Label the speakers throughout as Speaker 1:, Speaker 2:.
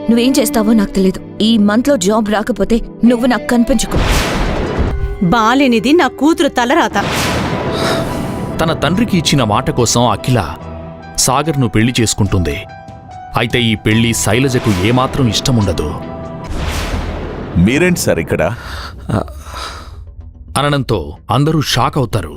Speaker 1: నువ్వేం చేస్తావో నాకు తెలీదు. ఈ మంత్లో జాబ్ రాకపోతే నువ్వు నాకు కనిపించుకో.
Speaker 2: బాలేనిది నా కూతురు తలరాత.
Speaker 3: తన తండ్రికి ఇచ్చిన మాట కోసం అఖిల సాగర్ను పెళ్లి చేసుకుంటుంది. అయితే ఈ పెళ్లి శైలజకు ఏమాత్రం ఇష్టముండదు.
Speaker 4: మీరేంటి సార్ ఇక్కడ
Speaker 3: అనడంతో అందరూ షాక్ అవుతారు.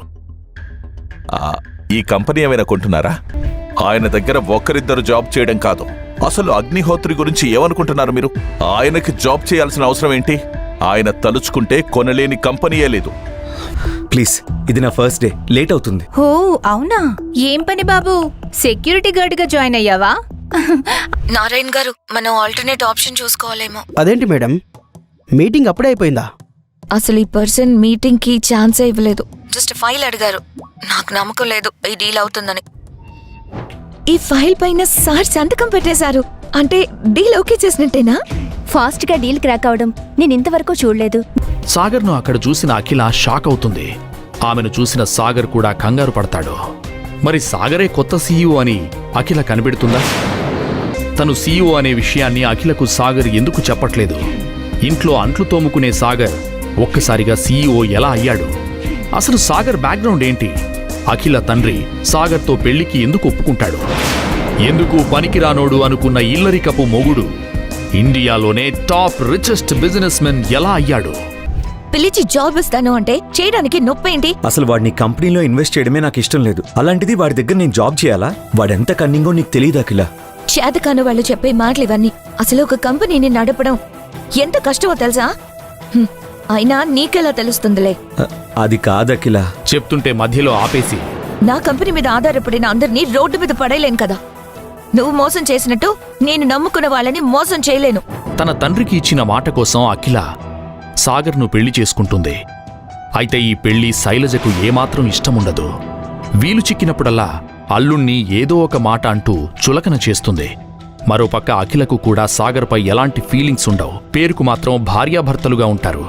Speaker 4: ఈ కంపెనీ ఏమైనా కొంటున్నారా? ఆయన దగ్గర ఒక్కరిద్దరు జాబ్ చేయడం కాదు, అసలు అగ్నిహోత్రి గురించి ఏమనుకుంటున్నారు మీరు? ఆయనకి జాబ్ చేయాల్సిన అవసరం ఏంటి? ఆయన తలుచుకుంటే కొనలేని కంపెనీయే లేదు.
Speaker 5: ప్లీజ్, ఇది నా ఫస్ట్ డే, లేట్ అవుతుంది.
Speaker 6: ఓ అవునా? ఏం పని బాబు, సెక్యూరిటీ గార్డ్ గా జాయిన్ అయ్యావా?
Speaker 1: నారాయణ్ గారు, మనం ఆల్టర్నేట్ ఆప్షన్ చూసుకోవాలేమో.
Speaker 7: అదేంటి మేడం, మీటింగ్ అప్పుడే అయిపోయిందా?
Speaker 1: అసలు ఈ పర్సన్ మీటింగ్ కి ఛాన్సే ఇవ్వలేదు. జస్ట్ ఫైల్ అడిగారు. నాకు నమ్మకం లేదు ఈ డీల్ అవుతుందని. ఈ ఫైల్ పైన సార్ సంతకం పెట్టేశారు. అంటే డీల్ ఓకే చేసినట్టేనా?
Speaker 6: ఫాస్ట్ గా డీల్ క్రాక్ అవడం నేను ఇంతవరకు చూడలేదు.
Speaker 3: సాగర్ను అక్కడ చూసిన అఖిల షాక్ అవుతుంది. ఆమెను చూసిన సాగర్ కూడా కంగారు పడతాడు. మరి సాగరే కొత్త సీఈఓ అని అఖిల కనిపెడుతుందా? తను సీఈఓ అనే విషయాన్ని అఖిలకు సాగర్ ఎందుకు చెప్పట్లేదు? ఇంట్లో అంట్లు తోముకునే సాగర్ ఒక్కసారిగా సీఈఓ ఎలా అయ్యాడు? అసలు సాగర్ బ్యాక్గ్రౌండ్ ఏంటి? అఖిల తండ్రి సాగర్తో పెళ్లికి ఎందుకు ఒప్పుకుంటాడు? ఎందుకు పనికిరానోడు అనుకున్న ఇల్లరికపు మొగుడు ఇండియాలోనే టాప్ రిచెస్ట్ బిజినెస్ మెన్ ఎలా అయ్యాడు?
Speaker 1: పిలిచి జాబ్ ఇస్తాను అంటే చేయడానికి నొప్పేంటి?
Speaker 5: అసలు వాడిని కంపెనీలో ఇన్వెస్ట్ చేయడమే నాకు ఇష్టం లేదు. అలాంటిది వాడి దగ్గర నేను జాబ్ చేయాలా? వాడెంత కన్నింగో నీకు తెలియదు అఖిల.
Speaker 1: చేతకాను వాళ్ళు చెప్పే మాటలు ఇవన్నీ. అసలు ఒక కంపెనీని నడపడం ఎంత కష్టమో తెలుసా? అయినా నీకెలా తెలుస్తుందిలే.
Speaker 5: అది కాదఖిల.
Speaker 3: చెప్తుంటే మధ్యలో ఆపేసి,
Speaker 1: నా కంపెనీ మీద ఆధారపడిన అందరినీ రోడ్డు మీద పడేయలేను కదా. నువ్వు మోసం చేసినట్టు నేను నమ్ముకున్న వాళ్ళని మోసం చేయలేను.
Speaker 3: తన తండ్రికి ఇచ్చిన మాట కోసం అఖిల సాగర్ను పెళ్లి చేసుకుంటుంది. అయితే ఈ పెళ్లి శైలజకు ఏమాత్రం ఇష్టముండదు. వీలు చిక్కినప్పుడల్లా అల్లుణ్ణి ఏదో ఒక మాట అంటూ చులకన చేస్తుంది. మరోపక్క అఖిలకు కూడా సాగర్పై ఎలాంటి ఫీలింగ్స్ ఉండవు. పేరుకు మాత్రం భార్యాభర్తలుగా ఉంటారు.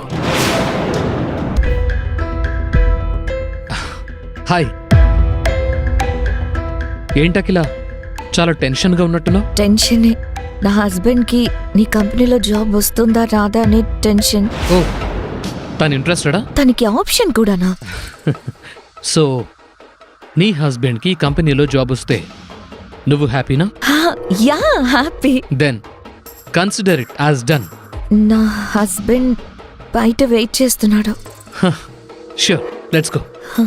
Speaker 8: హాయ్. ఏంటఖిల, చాలా టెన్షన్గా ఉన్నట్టున్నావు?
Speaker 1: టెన్షనే. నా హస్బెండ్ కి నీ కంపెనీలో జాబ్ వస్తుందా రాదా అనే టెన్షన్.
Speaker 8: ఓ, తను ఇంట్రెస్టెడా?
Speaker 1: తనకి ఆప్షన్ కూడానా?
Speaker 8: సో నీ హస్బెండ్కి కంపెనీలో జాబ్ వస్తే నువ్వు హ్యాపీనా?
Speaker 1: Yeah, happy.
Speaker 8: Then consider it as done.
Speaker 1: నా హస్బెండ్ బయట వెయిట్ చేస్తున్నాడు.
Speaker 3: Sure, let's go.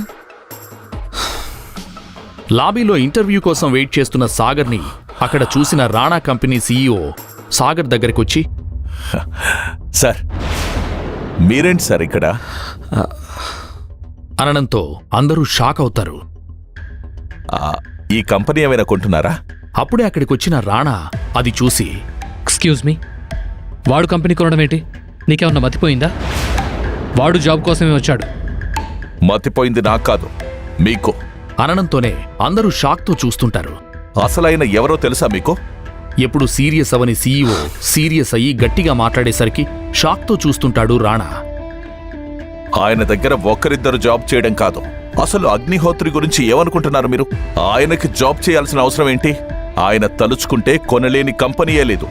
Speaker 3: లాబీలో ఇంటర్వ్యూ కోసం వెయిట్ చేస్తున్న సాగర్ని అక్కడ చూసిన రాణా కంపెనీ సీఈఓ సాగర్ దగ్గరకొచ్చి,
Speaker 4: సార్ మీరేంటి సార్ ఇక్కడ
Speaker 3: అనడంతో అందరూ షాక్ అవుతారు.
Speaker 4: ఈ కంపెనీ ఏమైనా కొంటున్నారా?
Speaker 3: అప్పుడే అక్కడికొచ్చిన రాణా అది చూసి,
Speaker 8: ఎక్స్క్యూజ్ మీ, వాడు కంపెనీ కొనడం ఏంటి? నీకేమన్నా మతిపోయిందా? వాడు జాబ్ కోసమే వచ్చాడు.
Speaker 4: మతిపోయింది నాకు కాదు, మీకు.
Speaker 3: అనడంతోనే అందరూ షాక్తో చూస్తుంటారు.
Speaker 4: అసలైన ఎవరో తెలుసా మీకు?
Speaker 3: ఎప్పుడు సీరియస్ అవని సీఈఓ సీరియస్ అయ్యి గట్టిగా మాట్లాడేసరికి షాక్తో చూస్తుంటాడు రాణా.
Speaker 4: ఆయన దగ్గర ఒక్కరిద్దరు జాబ్ చేయడం కాదు, అసలు అగ్నిహోత్రి గురించి ఏమనుకుంటున్నారు మీరు? ఆయనకి జాబ్ చేయాల్సిన అవసరం ఏంటి? ఆయన తలుచుకుంటే కొనలేని కంపెనీయే లేదు.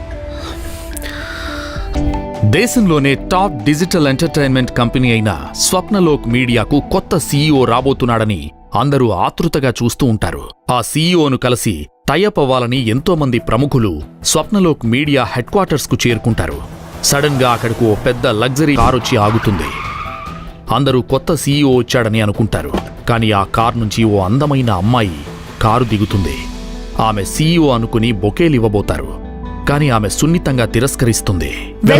Speaker 3: దేశంలోనే టాప్ డిజిటల్ ఎంటర్టైన్మెంట్ కంపెనీ అయిన స్వప్నలోక్ మీడియాకు కొత్త సీఈఓ రాబోతున్నాడని అందరూ ఆతృతగా చూస్తూ ఉంటారు. ఆ సీఈఓను కలిసి టైఅప్ అవ్వాలని ఎంతోమంది ప్రముఖులు స్వప్నలోక్ మీడియా హెడ్ క్వార్టర్స్ కు చేరుకుంటారు. సడన్ గా అక్కడకు ఓ పెద్ద లగ్జరీ కార్ వచ్చి ఆగుతుంది. అందరూ కొత్త సీఈఓ వచ్చాడని అనుకుంటారు. కానీ ఆ కార్ నుంచి ఓ అందమైన అమ్మాయి కారు దిగుతుంది. ఆమె సీఈఓ అనుకుని బొకేలివ్వబోతారు. కానీ ఆమె సున్నితంగా తిరస్కరిస్తుంది.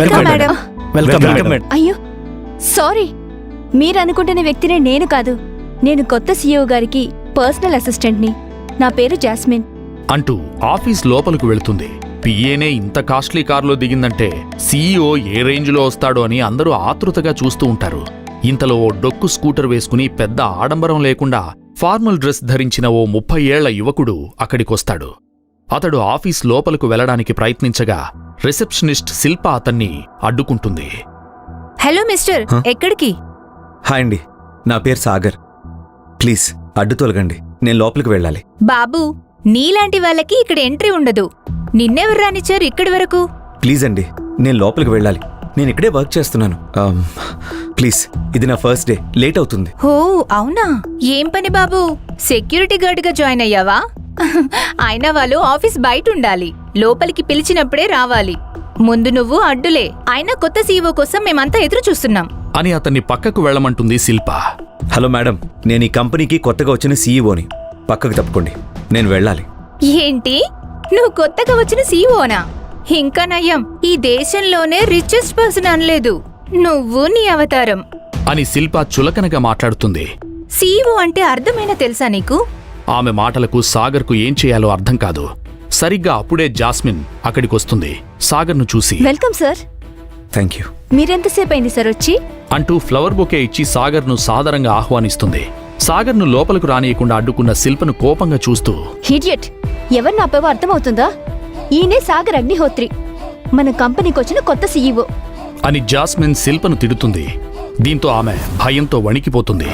Speaker 6: అయ్యో సారీ, మీరనుకుంటున్న వ్యక్తినే నేను కాదు. నేను కొత్త సీఈఓ గారికి పర్సనల్ అసిస్టెంట్ని. నా పేరు జాస్మిన్
Speaker 3: అంటూ ఆఫీస్ లోపలకు వెళుతుంది. పిఏనే ఇంత కాస్ట్లీ కారులో దిగిందంటే సీఈఓ ఏ రేంజ్లో వస్తాడో అని అందరూ ఆతృతగా చూస్తూ ఉంటారు. ఇంతలో ఓ డొక్కు స్కూటర్ వేసుకుని పెద్ద ఆడంబరం లేకుండా ఫార్మల్ డ్రెస్ ధరించిన ఓ 30 ఏళ్ల యువకుడు అక్కడికొస్తాడు. అతడు ఆఫీస్ లోపలకు వెళ్లడానికి ప్రయత్నించగా రిసెప్షనిస్ట్ శిల్ప అతన్ని అడ్డుకుంటుంది.
Speaker 6: హలో మిస్టర్, ఎక్కడికి?
Speaker 5: హాయ్ అండి, నా పేరు సాగర్. ప్లీజ్ అడ్డు తొలగండి, నేను లోపలికి వెళ్ళాలి.
Speaker 6: బాబు, నీలాంటి వాళ్ళకి ఇక్కడ ఎంట్రీ ఉండదు. నిన్నెవరు రానిచ్చారు ఇక్కడి వరకు?
Speaker 5: ప్లీజ్ అండి, నేను లోపలికి వెళ్ళాలి. నేను ఇక్కడే వర్క్ చేస్తున్నాను. ప్లీజ్, ఇది నా ఫస్ట్ డే, లేట్ అవుతుంది.
Speaker 6: ఓ అవునా? ఏం పని బాబు, సెక్యూరిటీ గార్డ్గా జాయిన్ అయ్యావా? అయినా వాళ్ళు ఆఫీస్ బయట ఉండాలి, లోపలికి పిలిచినప్పుడే రావాలి. ముందు నువ్వు అడ్డులే. అయినా కొత్త సీఈఓ కోసం మేమంతా ఎదురు చూస్తున్నాం
Speaker 3: అని అతన్ని పక్కకు వెళ్ళమంటుంది శిల్ప.
Speaker 5: హలో మేడం, నేను ఈ కంపెనీకి కొత్తగా వచ్చిన సీఈఓని. పక్కకు తప్పుకోండి, నేను వెళ్ళాలి.
Speaker 6: ఏంటి, నువ్వు కొత్తగా వచ్చిన సీఈఓనా? ఇంకా నయ్యం, ఈ దేశంలోనే రిచెస్ట్ పర్సన్ అనలేదు నువ్వు, నీ అవతారం.
Speaker 3: అని శిల్ప చులకనగా మాట్లాడుతుంది.
Speaker 6: సీఈఓ అంటే అర్థమైనా తెలుసా నీకు?
Speaker 3: ఆమె మాటలకు సాగర్కు ఏం చేయాలో అర్థం కాదు. సరిగ్గా అప్పుడే జాస్మిన్ అక్కడికొస్తుంది. సాగర్ను చూసి
Speaker 6: వెల్కమ్ సార్.
Speaker 5: థ్యాంక్ యూ
Speaker 6: మీరెంతసేపు అయింది సార్ వచ్చి?
Speaker 3: అంటూ ఫ్లవర్ బొకే ఇచ్చి సాగర్ను సాదరంగా ఆహ్వానిస్తుంది. సాగర్ను లోపలకు రానియకుండా అడ్డుకున్న శిల్పను కోపంగా చూస్తూ,
Speaker 6: హిడియట్, ఎవరు నాపేవో అర్థమవుతుందా? ఈయనే సాగర్ అగ్నిహోత్రి, మన కంపెనీకి వచ్చిన కొత్త సీఈఓ
Speaker 3: అని జాస్మిన్ శిల్పను తిడుతుంది. దీంతో ఆమె భయంతో వణికిపోతుంది.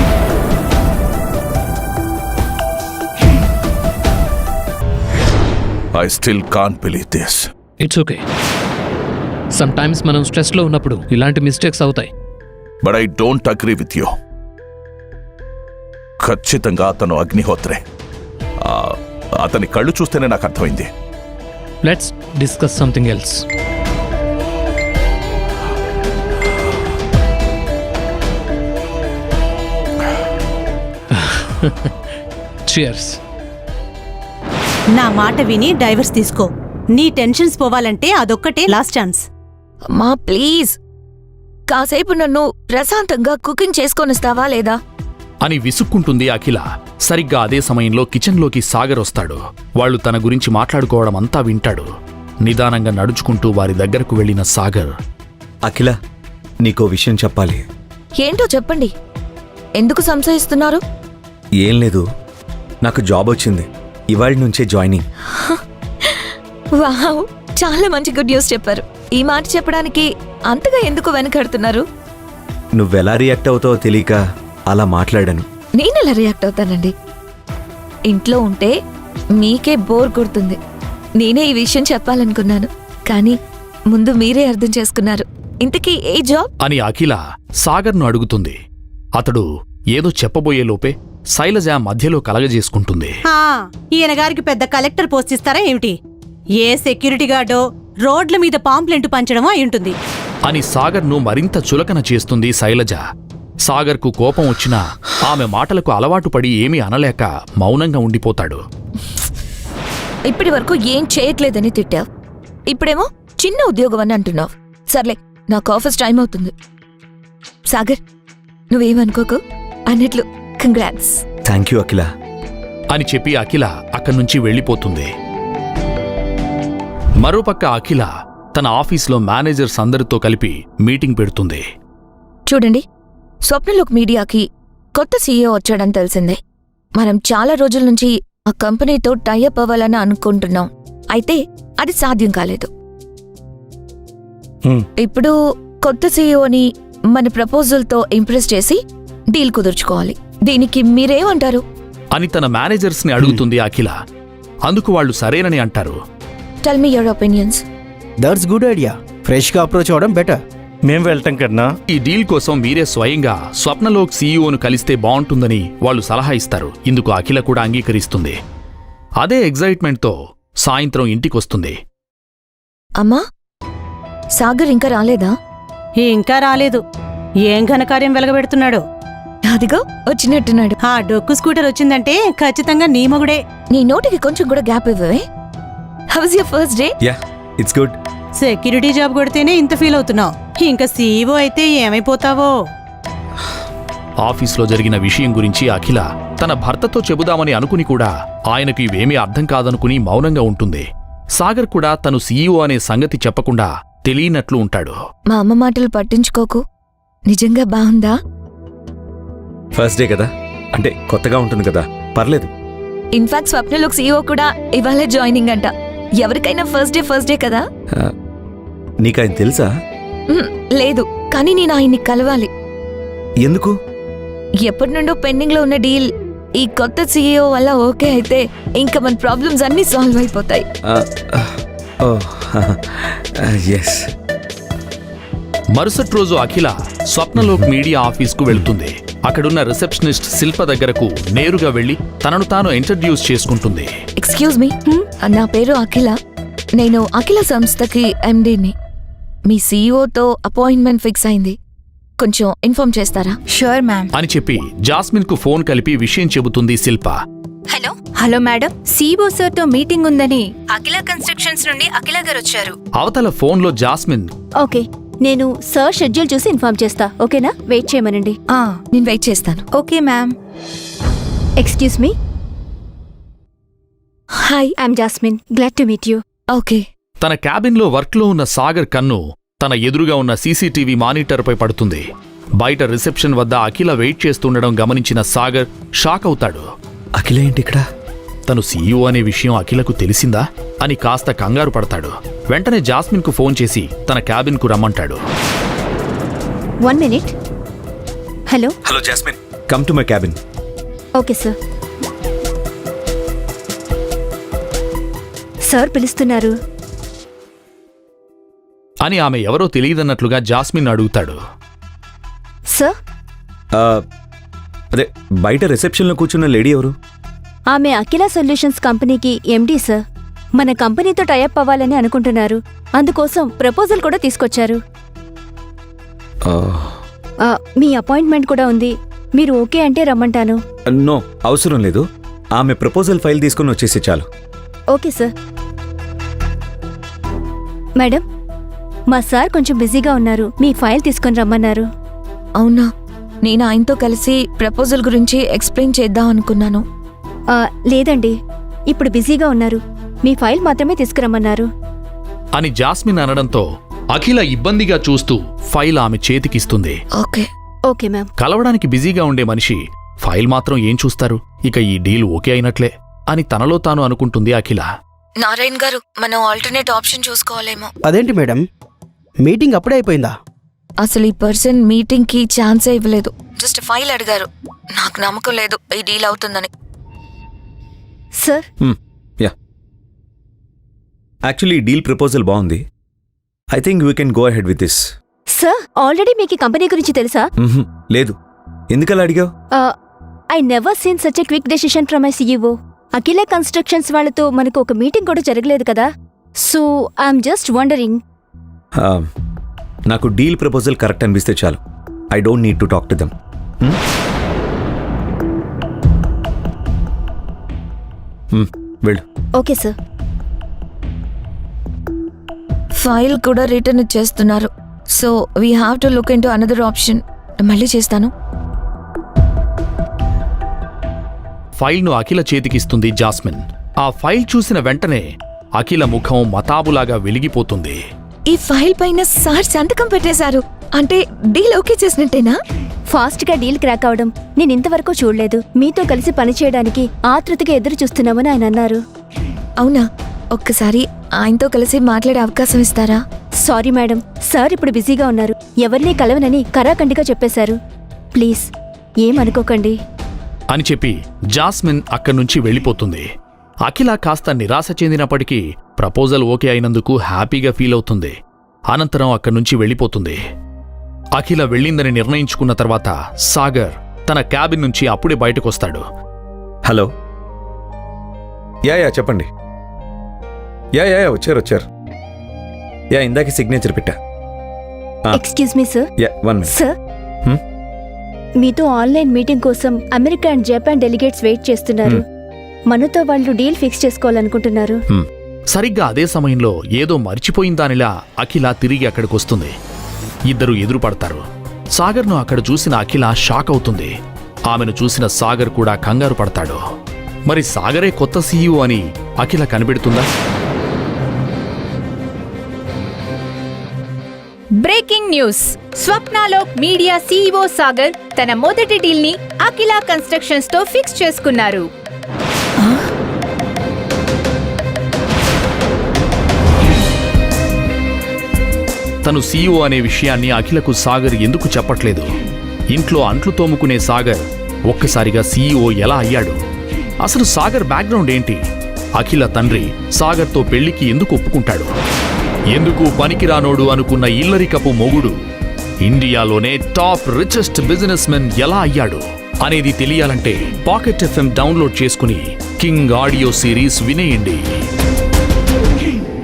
Speaker 4: I still can't believe this.
Speaker 8: It's okay. Sometimes మనం స్ట్రెస్లో ఉన్నప్పుడు ఇలాంటి మిస్టేక్స్ అవుతాయి.
Speaker 4: But I don't agree with you. ఖచ్చితంగా అతను అగ్నిహోత్రే. అతని కళ్ళు చూస్తేనే నాకు అర్థమైంది.
Speaker 8: Let's discuss something else. Cheers.
Speaker 2: నా మాట విని డైవర్స్ తీసుకో. నీ టెన్షన్స్ పోవాలంటే అదొక్కటే లాస్ట్ ఛాన్స్.
Speaker 1: అమ్మా ప్లీజ్, కాసేపు నన్ను ప్రశాంతంగా కుకింగ్ చేసుకొనిస్తావా లేదా
Speaker 3: అని విసుక్కుంటుంది అఖిల. సరిగ్గా అదే సమయంలో కిచెన్లోకి సాగర్ వస్తాడు. వాళ్ళు తన గురించి మాట్లాడుకోవడం అంతా వింటాడు. నిదానంగా నడుచుకుంటూ వారి దగ్గరకు వెళ్లిన సాగర్,
Speaker 5: అఖిల, నీకో విషయం చెప్పాలి.
Speaker 1: ఏంటో చెప్పండి. ఎందుకు సంశయిస్తున్నారు?
Speaker 5: ఏం లేదు, నాకు జాబ్ వచ్చింది. ఇవాళ నుంచే జాయినింగ్.
Speaker 1: వావ్, చాలా మంచి గుడ్ న్యూస్ చెప్పారు. ఈ మాట చెప్పడానికి అంతగా ఎందుకు వెనకడుతున్నారు?
Speaker 5: నువ్వెలా రియాక్ట్ అవుతావో తెలియక అలా మాట్లాడాను.
Speaker 1: నేనెలా రియాక్ట్ అవుతానండి? ఇంట్లో ఉంటే మీకే బోర్ కొడుతుంది. నేనే ఈ విషయం చెప్పాలనుకున్నాను, కానీ ముందు మీరే అర్థం చేసుకున్నారు. ఇంతకీ ఏ జాబ్
Speaker 3: అని అఖిల సాగర్ను అడుగుతుంది. అతడు ఏదో చెప్పబోయే లోపే శైలజ మధ్యలో కలగజేసుకుంటుంది.
Speaker 2: ఈయన గారికి పెద్ద కలెక్టర్ పోస్ట్ ఇస్తారా ఏమిటి? ఏ సెక్యూరిటీ గార్డో రోడ్ల మీద పాంప్లెంట్ పంచడమో అయి
Speaker 3: అని సాగర్ను మరింత చులకన చేస్తుంది శైలజ. సాగర్కు కోపం వచ్చినా ఆమె మాటలకు అలవాటు పడి ఏమీ అనలేక మౌనంగా ఉండిపోతాడు.
Speaker 1: ఇప్పటి వరకు ఏం చేయట్లేదని తిట్టావు, ఇప్పుడేమో చిన్న ఉద్యోగం అని అంటున్నావు. సర్లే, నాకు ఆఫీస్ టైం అవుతుంది. సాగర్, నువ్వేమనుకోకు. అన్నట్లు కంగ్రాట్స్.
Speaker 5: థ్యాంక్ యూ అఖిల
Speaker 3: అని చెప్పి అఖిల అక్కడి నుంచి వెళ్ళిపోతుంది. మరోపక్క అఖిల తన ఆఫీస్లో మేనేజర్స్ అందరితో కలిపి మీటింగ్ పెడుతుంది.
Speaker 1: చూడండి, స్వప్నలోక్ మీడియాకి కొత్త సీఈఓ వచ్చాడని తెలిసిందే. మనం చాలా రోజుల నుంచి ఆ కంపెనీతో టైఅప్ అవ్వాలని అనుకుంటున్నాం. అయితే అది సాధ్యం కాలేదు. ఇప్పుడు కొత్త సీఈఓని మన ప్రపోజల్తో ఇంప్రెస్ చేసి డీల్ కుదుర్చుకోవాలి. దీనికి మీరేమంటారు
Speaker 3: అని తన మేనేజర్స్ని అడుగుతుంది అఖిల. అందుకు వాళ్ళు సరేనని అంటారు.
Speaker 1: Tell me your opinions.
Speaker 7: That's good idea. ఫ్రెష్గా అప్రోచ్ అవ్వడం బెటర్.
Speaker 9: మేం వెళ్తాం కన్నా
Speaker 3: ఈ డీల్ కోసం మీరే స్వయంగా స్వప్నలోక్ సీఈఓను కలిస్తే బావుంటుందని వాళ్ళు సలహా ఇస్తారు. ఇందుకు అఖిల కూడా అంగీకరిస్తుంది. అదే ఎగ్జైట్మెంట్తో సాయంత్రం ఇంటికొస్తుంది.
Speaker 1: అమ్మా, సాగర్ ఇంకా రాలేదా?
Speaker 2: ఇంకా రాలేదు. ఏం ఘనకార్యం వెలగబెడుతున్నాడో.
Speaker 1: అదిగో వచ్చినట్టున్నాడు.
Speaker 2: ఆ డొక్కు స్కూటర్ వచ్చిందంటే ఖచ్చితంగా నీ మొగుడే.
Speaker 1: నీ నోటికి కొంచెం కూడా గ్యాప్ ఇవ్వవే. How was your first day?
Speaker 5: Yeah, it's good.
Speaker 2: Security job కొడితేనే ఇంత ఫీల్ అవుతున్నావు, ఇంకా సీఈఓ అయితే ఏమైపోతావో.
Speaker 3: ఆఫీస్లో జరిగిన విషయం గురించి అఖిల తన భర్తతో చెబుదామని అనుకుని కూడా ఆయనకు ఇవేమీ అర్థం కాదనుకుని మౌనంగా ఉంటుంది. సాగర్ కూడా తను సీఈఓ అనే సంగతి చెప్పకుండా తెలియనట్లు ఉంటాడు.
Speaker 1: మా అమ్మ మాటలు పట్టించుకోకు. నిజంగా బాగుందా?
Speaker 5: ఫస్ట్ డే కదా, అంటే కొత్తగా ఉంటుంది కదా, పర్లేదు.
Speaker 1: ఇన్ఫాక్ట్ స్వప్నలోక్ సీఈఓ కూడా ఇవాళ జాయినింగ్ అంట. ఎవరికైనా ఫస్ట్ డే కదా.
Speaker 5: నీకాయన తెలుసా?
Speaker 1: లేదు, కానీ నేను ఆయన్ని కలవాలి.
Speaker 5: ఎందుకు?
Speaker 1: ఎప్పటి నుండో పెండింగ్ లో ఉన్న డీల్ ఈ కొత్త సీఈఓ వల్ల ఓకే అయితే ఇంకా మన ప్రాబ్లమ్స్ అన్నీ సాల్వ్ అయిపోతాయి.
Speaker 5: Oh yes.
Speaker 3: మరుసటి రోజు అఖిల స్వప్నలోక్ మీడియా ఆఫీస్కు వెళ్తుంది. అక్కడున్న రిసెప్షనిస్ట్ శిల్ప దగ్గరకు నేరుగా వెళ్లి తనను తాను ఇంట్రడ్యూస్ చేసుకుంటుంది.
Speaker 1: ఎక్స్క్యూజ్ మీ, నా పేరు అఖిల. నేను అఖిల సంస్థకి ఎండీని. మీ సీఈఓతో అపాయింట్మెంట్ ఫిక్స్ అయింది. కొంచెం ఇన్ఫార్మ్ చేస్తారా?
Speaker 6: Sure ma'am.
Speaker 3: అని చెప్పి జాస్మిన్ కు ఫోన్ కలిపి విషయం చెబుతుంది Shilpa.
Speaker 6: Hello hello madam, CEO sir తో మీటింగ్ ఉందని అఖిల కన్స్ట్రక్షన్స్ నుండి అఖిల గారు వచ్చారు.
Speaker 3: అవతల ఫోన్లో జాస్మిన్,
Speaker 9: ఓకే, నేను సార్ షెడ్యూల్ చూసి ఇన్ఫార్మ్ చేస్తా. ఓకేనా? వెయిట్ చేయమనండి.
Speaker 1: నేను వెయిట్ చేస్తాను.
Speaker 6: Okay ma'am.
Speaker 9: Excuse me,
Speaker 1: hi.
Speaker 9: I'm Jasmine. Glad to meet you.
Speaker 1: Okay.
Speaker 3: తన క్యాబిన్లో వర్క్లో ఉన్న సాగర్ కన్ను తన ఎదురుగా ఉన్న సీసీటీవీ మానిటర్పై పడుతుంది. బయట రిసెప్షన్ వద్ద అఖిల వెయిట్ చేస్తుండడం గమనించిన సాగర్ షాక్ అవుతాడు.
Speaker 5: అఖిల ఏంటి ఇక్కడ?
Speaker 3: తను సీఈఓ అనే విషయం అఖిలకు తెలిసిందా అని కాస్త కంగారు పడతాడు. వెంటనే జాస్మిన్కు ఫోన్ చేసి తన క్యాబిన్కు రమ్మంటాడు.
Speaker 9: 1 minute. Hello.
Speaker 5: Hello Jasmine, come to my cabin.
Speaker 9: Okay sir. Sir పిలుస్తున్నారు.
Speaker 3: అని ఆమె ఎవరో తెలియదన్నట్లుగా జాస్మిన్ అడుగుతాడు.
Speaker 9: సార్,
Speaker 5: అదే బయట రిసెప్షన్లో కూర్చున్న లేడీ ఎవరు?
Speaker 9: ఆమె అఖిల సొల్యూషన్స్ కంపెనీకి ఎండీ సార్. మన కంపెనీతో టైఅప్ అవ్వాలని అనుకుంటున్నారు. అందుకోసం ప్రపోజల్ కూడా తీసుకొచ్చారు. మీ అపాయింట్మెంట్ కూడా ఉంది. మీరు ఓకే అంటే రమ్మంటాను.
Speaker 5: నో, అవసరం లేదు. ఆమె ప్రపోజల్ ఫైల్ తీసుకుని వచ్చేసి చాలు.
Speaker 9: Okay sir. మేడం, మా సార్ కొంచెం బిజీగా ఉన్నారు. మీ ఫైల్ తీసుకొని రమ్మన్నారు.
Speaker 1: అవునా? నేను ఆయనతో కలిసి ప్రపోజల్ గురించి ఎక్స్ప్లెయిన్ చేద్దాం అనుకున్నాను.
Speaker 9: లేదండి, ఇప్పుడు బిజీగా ఉన్నారు. మీ ఫైల్ మాత్రమే తీసుకురమ్మన్నారు.
Speaker 3: అని జాస్మిన్ అనడంతో అఖిల ఇబ్బందిగా చూస్తూ ఫైల్ ఆమె చేతికిస్తుంది.
Speaker 1: ఓకే.
Speaker 9: Okay ma'am.
Speaker 3: కలవడానికి బిజీగా ఉండే మనిషి ఫైల్ మాత్రం ఏం చూస్తారు? ఇక ఈ డీల్ ఓకే అయినట్లే అని తనలో తాను అనుకుంటుంది అఖిల.
Speaker 1: నారాయణ్ గారు, మనం ఆల్టర్నేట్ ఆప్షన్ చూసుకోవాలేమో.
Speaker 7: అదేంటి మేడం, మీటింగ్ అప్పుడే అయిపోయిందా?
Speaker 1: అసలు ఈ పర్సన్ మీటింగ్ కి ఛాన్సే ఇవ్వలేదు. జస్ట్ ఫైల్ అడిగారు. నాకు నమ్మకం లేదు ఈ డీల్ అవుతుందని.
Speaker 9: Sir,
Speaker 5: yeah, actually deal proposal బాగుంది. I think we can go ahead with this.
Speaker 9: Sir, already మీకు ఈ కంపెనీ గురించి తెలుసా?
Speaker 5: లేదు. ఎందుకలా అడిగావు?
Speaker 9: I never seen such a quick decision from my CEO. Akhila constructions వాళ్ళతో మనకు ఒక మీటింగ్ కూడా జరగలేదు కదా. So I'm just wondering.
Speaker 5: నాకు డీల్ ప్రపోజల్ కరెక్ట్ అనిపిస్తే చాలు. I don't need to talk to them. వెళ్ళు.
Speaker 9: Okay sir.
Speaker 1: ఫైల్ కూడా రిటర్న్ ఇచ్చేస్తున్నారు. So we have to look into another option. మళ్ళీ చేస్తాను.
Speaker 3: ఫైల్ను అఖిల చేతికిస్తుంది జాస్మిన్. ఆ ఫైల్ చూసిన వెంటనే అఖిల ముఖం మతాబులాగా వెలిగిపోతుంది.
Speaker 1: ఈ ఫైల్ పైన సార్ సంతకం పెట్టేశారు. అంటే డీల్ ఓకే చేసినట్టేనా?
Speaker 9: ఫాస్ట్ గా డీల్ క్రాక్ అవడం నేను ఇంతవరకు చూడలేదు. మీతో కలిసి పనిచేయడానికి ఆతృతగా ఎదురు చూస్తున్నామని ఆయన అన్నారు.
Speaker 1: అవునా? ఒక్కసారి ఆయనతో కలిసి మాట్లాడే అవకాశం ఇస్తారా?
Speaker 9: సారీ మేడం, సార్ ఇప్పుడు బిజీగా ఉన్నారు. ఎవరినీ కలవనని కరాఖండిగా చెప్పేశారు. ప్లీజ్ ఏమనుకోకండి
Speaker 3: అని చెప్పి జాస్మిన్ అక్కడ్నుంచి వెళ్ళిపోతుంది. అఖిల కాస్త నిరాశ చెందినప్పటికీ ప్రపోజల్ ఓకే అయినందుకు హ్యాపీగా ఫీల్ అవుతుంది. అనంతరం అక్కడ్నుంచి వెళ్ళిపోతుంది. అఖిల వెళ్ళిందని నిర్ణయించుకున్న తర్వాత సాగర్ తన క్యాబిన్ నుంచి అప్పుడే బయటకొస్తాడు.
Speaker 5: హలో. యా చెప్పండి. యా వచ్చారు. యా, ఇందాక సిగ్నేచర్ పెట్టా.
Speaker 9: Excuse me sir.
Speaker 5: Yeah, 1 minute.
Speaker 9: Sir, మీతో ఆన్లైన్ మీటింగ్ కోసం America and Japan delegates wait చేస్తున్నారు. మనతో వాళ్ళు డీల్ ఫిక్స్ చేసుకోవాలనుకుంటున్నారు.
Speaker 3: సరిగ్గా అదే సమయంలో ఏదో మర్చిపోయిందానిలా అఖిల తిరిగి అక్కడికొస్తుంది. ఇద్దరు ఎదురుపడతారు. సాగర్ను అక్కడ చూసిన అఖిల షాక్ అవుతుంది. ఆమెను చూసిన సాగర్ కూడా కంగారు పడతాడు. మరి సాగరే కొత్త సీఈఓ అని అఖిల కనిపెడుతుందా?
Speaker 6: Breaking news. Swapnalok media CEO Sagar తన మొదటి డీల్ ని అఖిల కన్స్ట్రక్షన్స్ తో ఫిక్స్ చేసుకున్నారు.
Speaker 3: తను సీఈఓ అనే విషయాన్ని అఖిలకు సాగర్ ఎందుకు చెప్పట్లేదు? ఇంట్లో అంట్లు తోముకునే సాగర్ ఒక్కసారిగా సీఈఓ ఎలా అయ్యాడు? అసలు సాగర్ బ్యాక్గ్రౌండ్ ఏంటి? అఖిల తండ్రి సాగర్తో పెళ్లికి ఎందుకు ఒప్పుకుంటాడు? ఎందుకు పనికిరానోడు అనుకున్న ఇల్లరికపు మొగుడు ఇండియాలోనే టాప్ రిచెస్ట్ బిజినెస్ మెన్ ఎలా అయ్యాడు అనేది తెలియాలంటే పాకెట్ ఎఫ్ఎం డౌన్లోడ్ చేసుకుని కింగ్ ఆడియో సిరీస్ వినేయండి.